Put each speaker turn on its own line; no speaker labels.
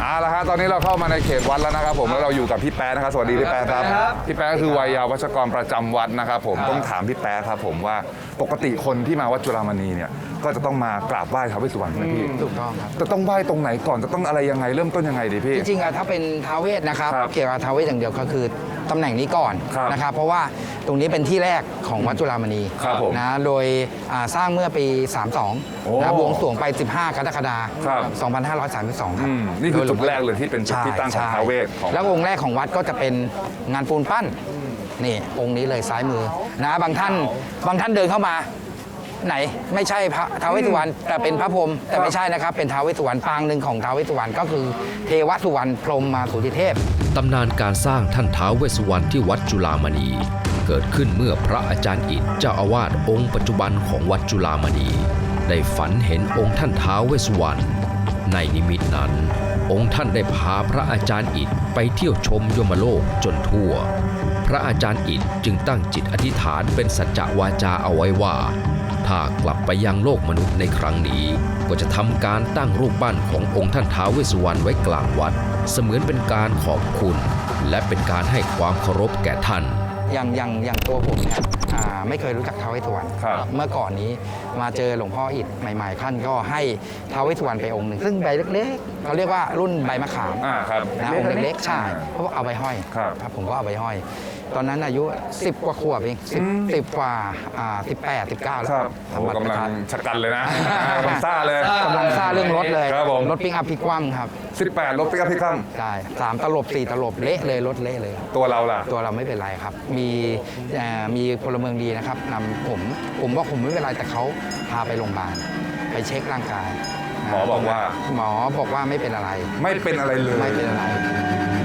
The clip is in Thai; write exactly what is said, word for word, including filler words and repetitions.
เอาละฮะตอนนี้เราเข้ามาในเขตวัดแล้วนะครับผมแล้วเราอยู่กับพี่แป๊ะนะครับสวัสดีพี่แป๊ะครับพี่แป๊ะคือวัยยาวัชกรประจำวัดนะครับผมต้องถามพี่แป๊ะครับผมว่าปกติคนที่มาวัดจุฬามณีเนี่ยก็จะต้องมากราบไหว้ท้าวเวสสุวรรณใช่ไหมพี่
ถูกต้องครับ
จะต้องไหว้ตรงไหนก่อนจะต้องอะไรยังไงเริ่มต้นยังไงดีพี่
จริงๆอะถ้าเป็นท้าวเวสนะครับ
ครับ
เกี่ยวกับท้าวเวสอย่างเดียวก็คือตำแหน่งนี้ก่อน
ครับ
นะครับเพราะว่าตรงนี้เป็นที่แรกของวัดจุฬามณี
ครับผม
นะโดยอ่าสร้างเมื่อปี สามสิบสอง
โอ้
นะบวงสรวงไป สิบห้ากรกฎา
ครับ
คมสองพันห้าร้อยสามสิบสองครับ
อืมนี่คือจุดแรกเลยที่เป็นจุดที่ตั้งของท้าวเวสของ
แล้วองค์แรกของวัดก็จะเป็นงานปูนปั้นนี่องค์นี้เลยซ้ายมือนะบางท่านบางท่านเดินเข้ามาไหนไม่ใช่พระท้าวเวสสุวรรณแต่เป็นพระพรหมแต่ไม่ใช่นะครับเป็นท้าวเวสสุวรรณปางหนึ่งของท้าวเวสสุวรรณก็คือเทวสุวรรณพรหมมาสุติเทพ
ตำนานการสร้างท่านท้าวเวสสุวรรณที่วัดจุฬามณี เกิดขึ้นเมื่อพระอาจารย์อิฐเจ้าอาวาสองค์ปัจจุบันของวัดจุฬามณี ได้ฝันเห็นองค์ท่านท้าวเวสสุวรรณในนิมิตนั้น องค์ท่านได้พาพระอาจารย์อิฐไปเที่ยวชมยมโลกจนทั่ว พระอาจารย์อิฐจึงตั้งจิตอธิษฐานเป็นสัจจวาจาเอาไว้ว่าถ้ากลับไปยังโลกมนุษย์ในครั้งนี้ก็จะทำการตั้งรูปปั้นขององค์ท่านท้าวเวสสุวรรณไว้กลางวัดเสมือนเป็นการขอบคุณและเป็นการให้ความเคารพแก่ท่าน
อย่างอย่างอย่างตัวผมเนี่ยอ่าไม่เคยรู้จักท้าวเวสสุวรรณ
ครับ
เมื่อก่อนนี้มาเจอหลวงพ่ออิฐใหม่ๆท่านก็ให้ท้าวเวสสุวรรณไปองค์หนึ่งซึ่งใบเล็กๆเขาเรียกว่ารุ่นใบมะขาม
อ่าครับ
นะองค์เล็กๆใช่เพราะว่าเอาไปห้อย
ครับ
ผมก็เอาไปห้อย ตอนนั้นอายุสิบกว่าขวบเองสิบสิบกว่าอ่าสิบแปดสิบเก้าแล้ว
ครับ
ทำ
โอ้
บัตร
กำ
ประ
ลัง
ชาชน
ชะกันเลยนะกำลังซ่าเลย
กำลังซ่าเรื่องรถเลย
ครับผม
รถปิกอัพพลิกคว่ำครับ
สิบแปดรถปิกอัพพิคัม
ใช่สามตลบสี่ตลบเละเลยรถเละเลย
ตัวเราล่ะ
ตัวเราไม่เป็นไรครับ มีเอ่อมีพลเมืองดีนะครับนำผม ผมว่าผมไม่เป็นไรแต่เขาพาไปโรงพยาบาลไปเช็คร่างกาย
หมอบอกว่า
หมอบอกว่าไม่เป็นอะไร
ไม่เป็นอะไรเลย
ไม่เป็นอะไร